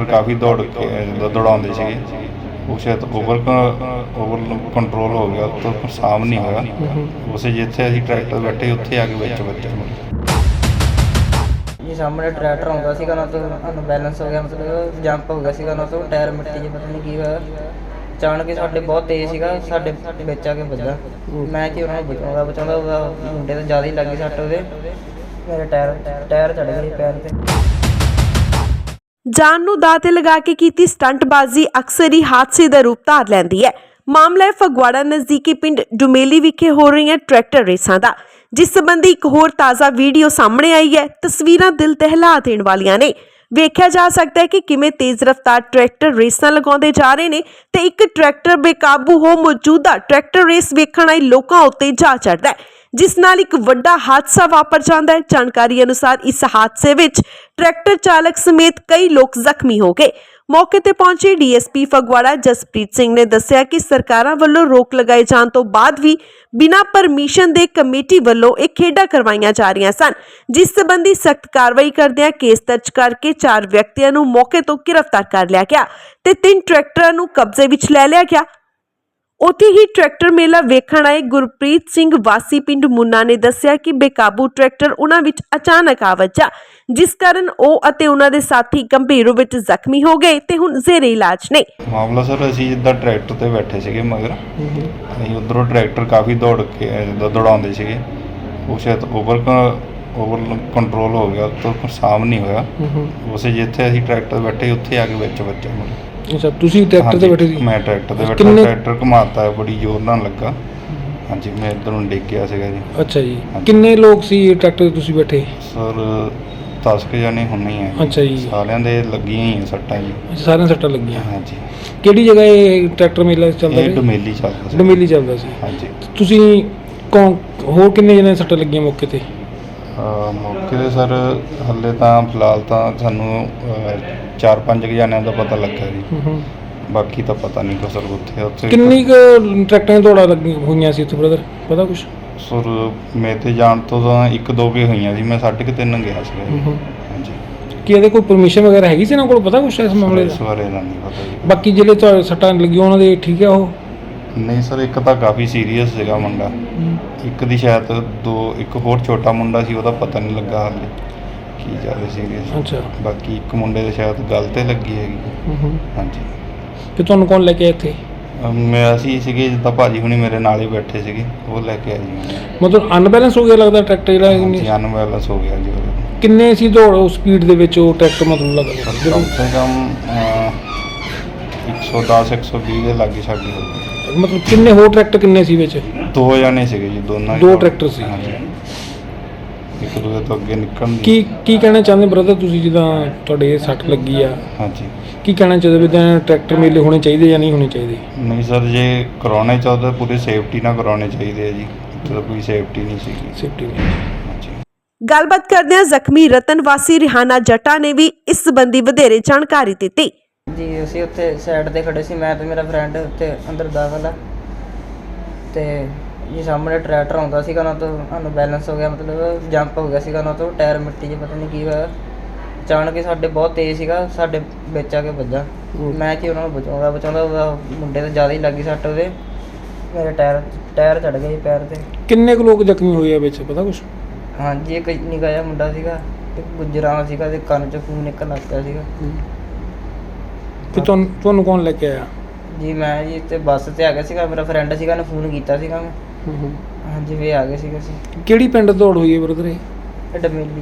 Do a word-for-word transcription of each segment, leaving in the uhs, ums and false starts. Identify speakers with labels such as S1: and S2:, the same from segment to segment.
S1: ਕਾफ़ी दौड़ के जिद्दां दौड़ाਉਂਦੇ ਸੀਗੇ ਉਹ ਸ਼ਾਇਦ ਓਵਰ ਓਵਰ ਕੰਟਰੋਲ ਹੋ ਗਿਆ ਤੋਂ ਸਾਮ ਨਹੀਂ ਹੋਇਆ ਉਸੇ ਜਿੱਥੇ ਅਸੀਂ ਟਰੈਕਟਰ ਬੈਠੇ ਉੱਥੇ ਆ ਕੇ ਵਿੱਚ ਵੱਜਿਆ
S2: ਜੀ। ਸਾਹਮਣੇ ਟਰੈਕਟਰ ਆਉਂਦਾ ਸੀਗਾ ਨਾ ਤੋਂ ਅਨਬੈਲੈਂਸ ਹੋ ਗਿਆ, ਮਤਲਬ ਜੰਪ ਹੋ ਗਿਆ ਸੀਗਾ ਨਾ ਤੋਂ ਟਾਇਰ ਮਿੱਟੀ 'ਚ ਪਤਾ ਨਹੀਂ ਕੀ ਹੋਇਆ, ਅਚਾਨਕ ਸਾਡੇ ਬਹੁਤ ਤੇਜ਼ ਸੀਗਾ, ਸਾਡੇ ਵਿੱਚ ਆ ਕੇ ਵੱਜਾ। ਮੈਂ ਕਿ ਉਹਨਾਂ ਨੂੰ ਬਚਾਉਂਦਾ ਬਚਾਉਂਦਾ ਉਹਦਾ ਮੁੰਡੇ ਤੋਂ ਜ਼ਿਆਦਾ ਹੀ ਲੱਗੀ ਸੱਟ, ਉਹਦੇ ਮੇਰੇ ਟਾਇਰ ਟਾਇਰ ਚੜ੍ਹ ਗਏ ਪੈਰ 'ਤੇ।
S3: ਜਾਨ ਨੂੰ ਦਾਅ ਤੇ ਲਗਾ ਕੇ ਕੀਤੀ ਸਟੰਟਬਾਜ਼ੀ ਅਕਸਰ ਹੀ ਹਾਦਸੇ ਦਾ ਰੂਪ ਧਾਰ ਲੈਂਦੀ ਹੈ। ਮਾਮਲਾ ਹੈ ਫਗਵਾੜਾ ਨਜ਼ਦੀਕੀ ਪਿੰਡ ਡੁਮੇਲੀ ਵਿਖੇ ਹੋ ਰਹੀਆਂ ਟਰੈਕਟਰ ਰੇਸਾਂ ਦਾ, ਜਿਸ ਸੰਬੰਧੀ ਇੱਕ ਹੋਰ ਤਾਜ਼ਾ ਵੀਡੀਓ ਸਾਹਮਣੇ ਆਈ ਹੈ। ਤਸਵੀਰਾਂ ਦਿਲ ਦਹਿਲਾ ਦੇਣ ਵਾਲੀਆਂ ਨੇ। ਵੇਖਿਆ ਜਾ ਸਕਦਾ ਹੈ ਕਿ ਕਿਵੇਂ ਤੇਜ਼ ਰਫ਼ਤਾਰ ਟਰੈਕਟਰ ਰੇਸਾਂ ਲਗਾਉਂਦੇ ਜਾ ਰਹੇ ਨੇ ਤੇ ਇੱਕ ਟਰੈਕਟਰ ਬੇਕਾਬੂ ਹੋ ਮੌਜੂਦਾ ਟਰੈਕਟਰ ਰੇਸ ਵੇਖਣ ਆਏ ਲੋਕਾਂ ਉੱਤੇ ਜਾ ਚੜ੍ਹਦਾ ਹੈ, ਜਿਸ ਨਾਲ ਇੱਕ ਵੱਡਾ ਹਾਦਸਾ ਵਾਪਰ ਜਾਂਦਾ ਹੈ। ਜਾਣਕਾਰੀ ਅਨੁਸਾਰ ਇਸ ਹਾਦਸੇ ਵਿੱਚ ਟਰੈਕਟਰ ਚਾਲਕ ਸਮੇਤ ਕਈ ਲੋਕ ਜ਼ਖਮੀ ਹੋ ਗਏ। ਮੌਕੇ ਤੇ ਪਹੁੰਚੇ ਡੀਐਸਪੀ ਫਗਵਾੜਾ ਜਸਪ੍ਰੀਤ ਸਿੰਘ ਨੇ ਦੱਸਿਆ ਕਿ ਸਰਕਾਰਾਂ ਵੱਲੋਂ ਰੋਕ ਲਗਾਏ ਜਾਣ ਤੋਂ ਬਾਅਦ ਵੀ ਬਿਨਾਂ ਪਰਮਿਸ਼ਨ ਦੇ ਕਮੇਟੀ ਵੱਲੋਂ ਇਹ ਖੇਡਾਂ ਕਰਵਾਈਆਂ ਜਾ ਰਹੀਆਂ ਸਨ, ਜਿਸ ਸੰਬੰਧੀ ਸਖਤ ਕਾਰਵਾਈ ਕਰਦਿਆਂ ਕੇਸ ਦਰਜ ਕਰਕੇ ਚਾਰ ਵਿਅਕਤੀਆਂ ਨੂੰ ਮੌਕੇ ਤੋਂ ਗ੍ਰਿਫਤਾਰ ਕਰ ਲਿਆ ਗਿਆ ਤੇ ਤਿੰਨ ਟਰੈਕਟਰਾਂ ਨੂੰ ਕਬਜ਼ੇ ਵਿੱਚ ਲੈ ਲਿਆ ਗਿਆ। ਉੱਥੇ ਹੀ ਟਰੈਕਟਰ ਮੇਲਾ ਵੇਖਣ ਆਏ ਗੁਰਪ੍ਰੀਤ ਸਿੰਘ ਵਾਸੀ ਪਿੰਡ ਮੁੰਨਾ ਨੇ ਦੱਸਿਆ ਕਿ ਬੇਕਾਬੂ ਟਰੈਕਟਰ ਉਹਨਾਂ ਵਿੱਚ ਅਚਾਨਕ ਆ ਵੱਜਾ, ਜਿਸ ਕਾਰਨ ਉਹ ਅਤੇ ਉਹਨਾਂ ਦੇ ਸਾਥੀ ਗੰਭੀਰ ਰੂਪ ਵਿੱਚ ਜ਼ਖਮੀ ਹੋ ਗਏ ਤੇ ਹੁਣ ਜ਼ੇਰੇ ਇਲਾਜ ਨੇ।
S1: ਮਾਮਲਾ ਸਰ ਅਸੀਂ ਜਿੱਦਾਂ ਟਰੈਕਟਰ ਤੇ ਬੈਠੇ ਸੀਗੇ ਮਗਰ ਅਸੀਂ ਉਧਰੋਂ ਟਰੈਕਟਰ ਕਾਫੀ ਦੌੜ ਕੇ ਜਿੱਦਾਂ ਦੌੜਾਉਂਦੇ ਸੀਗੇ ਉਹ ਸ਼ਾਇਦ ਓਵਰ ਓਵਰ ਕੰਟਰੋਲ ਹੋ ਗਿਆ ਤੋਂ ਸਾਮ ਨਹੀਂ ਹੋਇਆ ਉਸੇ ਜਿੱਥੇ ਅਸੀਂ ਟਰੈਕਟਰ ਬੈਠੇ ਉੱਥੇ ਆ ਕੇ ਵਿੱਚ ਵੱਜਿਆ।
S4: ਅੱਛਾ, ਤੁਸੀਂ ਟਰੈਕਟਰ ਤੇ ਬੈਠੇ ਸੀ?
S1: ਮੈਂ ਟਰੈਕਟਰ ਤੇ ਬੈਠਾ, ਟਰੈਕਟਰ ਘੁਮਾਤਾ ਬੜੀ ਜ਼ੋਰ ਨਾਲ ਲੱਗਾ। ਹਾਂਜੀ, ਮੈਂ ਇੱਧਰ ਨੂੰ ਡਿੱਗ ਗਿਆ ਸੀਗਾ ਜੀ।
S4: ਅੱਛਾ ਜੀ, ਕਿੰਨੇ ਲੋਕ ਸੀ ਟਰੈਕਟਰ ਤੇ ਤੁਸੀਂ ਬੈਠੇ?
S1: ਸਰ ਦਸ ਕੁ ਜਾਣੇ ਹੋਣੇ ਹੀ ਆ।
S4: ਅੱਛਾ ਜੀ, ਸਾਰਿਆਂ
S1: ਦੇ ਲੱਗੀਆਂ ਹੀ ਆ ਸੱਟਾਂ ਜੀ।
S4: ਸਾਰਿਆਂ ਸੱਟਾਂ ਲੱਗੀਆਂ?
S1: ਹਾਂਜੀ।
S4: ਕਿਹੜੀ ਜਗ੍ਹਾ ਇਹ ਟਰੈਕਟਰ ਮੇਲਾ ਚੱਲਦਾ?
S1: ਇਹ ਡੁਮੇਲੀ ਚੱਲਦਾ ਸੀ।
S4: ਡੁਮੇਲੀ ਚੱਲਦਾ ਸੀ।
S1: ਹਾਂਜੀ।
S4: ਤੁਸੀਂ ਕੌਣ ਹੋਰ ਕਿੰਨੇ ਜਣੇ ਸੱਟਾਂ ਲੱਗੀਆਂ ਮੌਕੇ ਤੇ?
S1: ਮੌਕੇ ਤੇ ਸਰ ਹਾਲੇ ਤਾਂ ਫਿਲਹਾਲ ਤਾਂ ਸਾਨੂੰ ਚਾਰ ਪੰਜ ਕੁ ਜਣਿਆਂ ਦਾ ਪਤਾ ਲੱਗਾ ਜੀ, ਬਾਕੀ ਤਾਂ ਪਤਾ ਨਹੀਂ ਕੋ ਸਰ ਉੱਥੇ ਉੱਥੇ
S4: ਕਿੰਨੀ ਕੁ ਟਰੈਕਟਰਾਂ ਦੌੜਾਂ ਲੱਗੀਆਂ ਹੋਈਆਂ ਸੀ ਉੱਥੇ ਬ੍ਰਦਰ, ਪਤਾ ਕੁਛ?
S1: ਸਰ ਮੇਰੇ ਤੇ ਜਾਣ ਤੋਂ ਤਾਂ ਇੱਕ ਦੋ ਕੁ ਹੋਈਆਂ ਸੀ, ਮੈਂ ਸਾਢੇ ਕੁ ਤਿੰਨ ਗਿਆ ਸੀਗਾ ਜੀ। ਹਾਂਜੀ।
S4: ਕੀ ਇਹਦੇ ਕੋਈ ਪਰਮਿਸ਼ਨ ਵਗੈਰਾ ਹੈਗੀ ਸੀ ਇਹਨਾਂ ਕੋਲ, ਪਤਾ ਕੁਛ ਇਸ ਮਾਮਲੇ ਦਾ?
S1: ਇਸ ਬਾਰੇ ਦਾ ਨਹੀਂ ਪਤਾ ਜੀ।
S4: ਬਾਕੀ ਜਿਹੜੇ ਤੁਹਾਡੇ ਸੱਟਾਂ ਲੱਗੀਆਂ ਉਹਨਾਂ ਦੇ ਠੀਕ ਆ ਉਹ?
S1: ਨਹੀਂ ਸਰ, ਇੱਕ ਤਾਂ ਕਾਫੀ ਸੀਰੀਅਸ ਸੀਗਾ ਮੁੰਡਾ, ਇੱਕ ਦੀ ਸ਼ਾਇਦ ਦੋ ਇੱਕ ਹੋਰ ਛੋਟਾ ਮੁੰਡਾ ਸੀ ਉਹਦਾ ਪਤਾ ਨਹੀਂ ਲੱਗਾ ਹਾਲੇ ਕੀ ਜ਼ਿਆਦਾ ਸੀਰੀਅਸ।
S4: ਅੱਛਾ।
S1: ਬਾਕੀ ਇੱਕ ਮੁੰਡੇ ਦੇ ਸ਼ਾਇਦ ਗੱਲ ਤੇ ਲੱਗੀ ਹੈਗੀ। ਹਾਂਜੀ।
S4: ਤੇ ਤੁਹਾਨੂੰ ਕੌਣ ਲੈ ਕੇ ਆਇਆ ਇੱਥੇ?
S1: ਮੈਂ ਅਸੀਂ ਸੀਗੇ ਜਿੱਦਾਂ ਭਾਜੀ ਹੁਣੀ ਮੇਰੇ ਨਾਲ ਹੀ ਬੈਠੇ ਸੀਗੇ, ਉਹ ਲੈ ਕੇ ਆਏ ਜੀ।
S4: ਮਤਲਬ ਅਨਬੈਲੈਂਸ ਹੋ ਗਿਆ ਲੱਗਦਾ ਟਰੈਕਟਰ ਜਿਹੜਾ?
S1: ਹਾਂਜੀ, ਅਨਬੈਲੈਂਸ ਹੋ ਗਿਆ ਜੀ ਉਹਦਾ।
S4: ਕਿੰਨੇ ਸੀ ਦੌੜ ਉਹ ਸਪੀਡ ਦੇ ਵਿੱਚ ਉਹ ਟਰੈਕਟਰ ਮਤਲਬ ਲੱਗਦਾ?
S1: ਕਮ ਸੇ ਕਮ ਇੱਕ ਸੌ ਦਸ ਇੱਕ ਸੌ ਵੀਹ ਦੇ ਲਾਗੇ ਛਾਗੇ ਹੋ ਗਏ।
S4: ਮਤਲਬ ਕਿੰਨੇ ਹੋਰ ਟਰੈਕਟਰ ਕਿੰਨੇ ਸੀ ਵਿੱਚ?
S1: ਦੋ ਜਾਣੇ ਸੀਗੇ ਜੀ, ਦੋਨਾਂ
S4: ਦੋ ਟਰੈਕਟਰ ਸੀ।
S1: ਹਾਂਜੀ। ਇੱਕ ਦੂਜੇ ਤੋਂ ਅੱਗੇ ਨਿਕਲਣ ਦੀ।
S4: ਕੀ ਕੀ ਕਹਿਣਾ ਚਾਹੁੰਦੇ ਬ੍ਰਦਰ ਤੁਸੀਂ, ਜਿੱਦਾਂ ਤੁਹਾਡੇ ਇਹ ਸੱਟ ਲੱਗੀ ਆ?
S1: ਹਾਂਜੀ।
S4: ਕੀ ਕਹਿਣਾ ਚਾਹੁੰਦੇ ਵੀ ਤਾਂ ਟਰੈਕਟਰ ਮੇਲੇ ਹੋਣੇ ਚਾਹੀਦੇ ਜਾਂ ਨਹੀਂ ਹੋਣੇ ਚਾਹੀਦੇ?
S1: ਨਹੀਂ ਸਰ, ਜੇ ਕਰਾਉਣੇ ਚਾਹੁੰਦੇ ਪੂਰੀ ਸੇਫਟੀ ਨਾਲ ਕਰਾਉਣੇ ਚਾਹੀਦੇ ਆ ਜੀ, ਇੱਥੇ ਤਾਂ ਕੋਈ ਸੇਫਟੀ ਨਹੀਂ ਸੀਗੀ।
S4: ਸੇਫਟੀ ਨਹੀਂ।
S1: ਹਾਂਜੀ।
S3: ਗੱਲਬਾਤ ਕਰਦਿਆਂ ਜ਼ਖਮੀ ਰਤਨ ਵਾਸੀ ਰਿਹਾਨਾ ਜੱਟਾ ਨੇ ਵੀ ਇਸ ਸੰਬੰਧੀ ਵਧੇਰੇ ਜਾਣਕਾਰੀ ਦਿੱਤੀ।
S2: ਜੀ ਅਸੀਂ ਉੱਥੇ ਸਾਈਡ ਤੇ ਖੜੇ ਸੀ, ਮੈਂ ਤੇ ਮੇਰਾ ਫਰੈਂਡ ਉੱਥੇ ਅੰਦਰ ਦਾਖਲ ਆ ਤੇ ਜੀ ਸਾਹਮਣੇ ਟਰੈਕਟਰ ਆਉਂਦਾ ਸੀਗਾ ਨਾ ਤੋਂ ਅਨਬੈਲੈਂਸ ਹੋ ਗਿਆ, ਮਤਲਬ ਜੰਪ ਹੋ ਗਿਆ ਸੀਗਾ ਨਾ ਤੋਂ ਟਾਇਰ ਮਿੱਟੀ 'ਚ ਪਤਾ ਨਹੀਂ ਕੀ ਹੋਇਆ, ਅਚਾਨਕ ਸਾਡੇ ਬਹੁਤ ਤੇਜ਼ ਸੀਗਾ, ਸਾਡੇ ਵਿੱਚ ਆ ਕੇ ਵੱਜਾ। ਮੈਂ ਕਿ ਉਹਨਾਂ ਨੂੰ ਬਚਾਉਂਦਾ ਬਚਾਉਂਦਾ ਉਹਦਾ ਮੁੰਡੇ ਤੋਂ ਜ਼ਿਆਦਾ ਹੀ ਲੱਗੀ ਸੱਟ, ਉਹਦੇ ਮੇਰੇ ਟਾਇਰ ਟਾਇਰ ਚੜ੍ਹ ਗਏ ਪੈਰ 'ਤੇ।
S4: ਕਿੰਨੇ ਕੁ ਲੋਕ ਜ਼ਖਮੀ ਹੋਏ ਆ ਵਿੱਚ, ਪਤਾ ਕੁਛ?
S2: ਹਾਂਜੀ, ਇੱਕ ਨਿੱਕਾ ਜਿਹਾ ਮੁੰਡਾ ਸੀਗਾ, ਇੱਕ ਗੁੱਜਰਾਂ ਸੀਗਾ ਤੇ ਕੰਨ 'ਚੋਂ ਖੂਨ ਨਿਕਲਣ ਲੱਗ ਪਿਆ ਸੀਗਾ।
S4: ਤੇ ਤੁਹਾਨੂੰ ਤੁਹਾਨੂੰ ਕੌਣ ਲੈ ਕੇ ਆਇਆ?
S2: ਜੀ ਮੈਂ ਜੀ ਤੇ ਬੱਸ ਤੇ ਆ ਗਿਆ ਸੀਗਾ, ਮੇਰਾ ਫਰੈਂਡ ਸੀਗਾ, ਉਹਨੇ ਫੋਨ ਕੀਤਾ ਸੀਗਾ ਮੈਂ। ਹਾਂਜੀ, ਵੀ ਆ ਗਏ ਸੀਗੇ ਅਸੀਂ।
S4: ਕਿਹੜੀ ਪਿੰਡ ਦੌੜ ਹੋਈ ਹੈ ਬ੍ਰਦਰ ਇਹ?
S2: ਡਮੇਲੀ।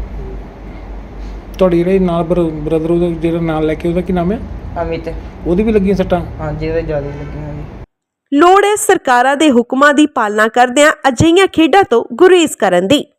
S4: ਤੁਹਾਡੀ ਜਿਹੜੇ ਨਾਲ ਬ੍ਰਦਰ ਉਹਦਾ ਜਿਹੜਾ ਨਾਲ ਲੈ ਕੇ ਉਹਦਾ ਕੀ ਨਾਮ ਹੈ?
S2: ਅਮਿਤ।
S4: ਉਹਦੀ ਵੀ ਲੱਗੀਆਂ ਸੱਟਾਂ?
S2: ਹਾਂਜੀ, ਉਹਦੇ ਜ਼ਿਆਦਾ ਲੱਗੀਆਂ ਜੀ।
S3: ਲੋੜ ਹੈ ਸਰਕਾਰਾਂ ਦੇ ਹੁਕਮਾਂ ਦੀ ਪਾਲਣਾ ਕਰਦਿਆਂ ਅਜਿਹੀਆਂ ਖੇਡਾਂ ਤੋਂ ਗੁਰੇਜ਼ ਕਰਨ ਦੀ।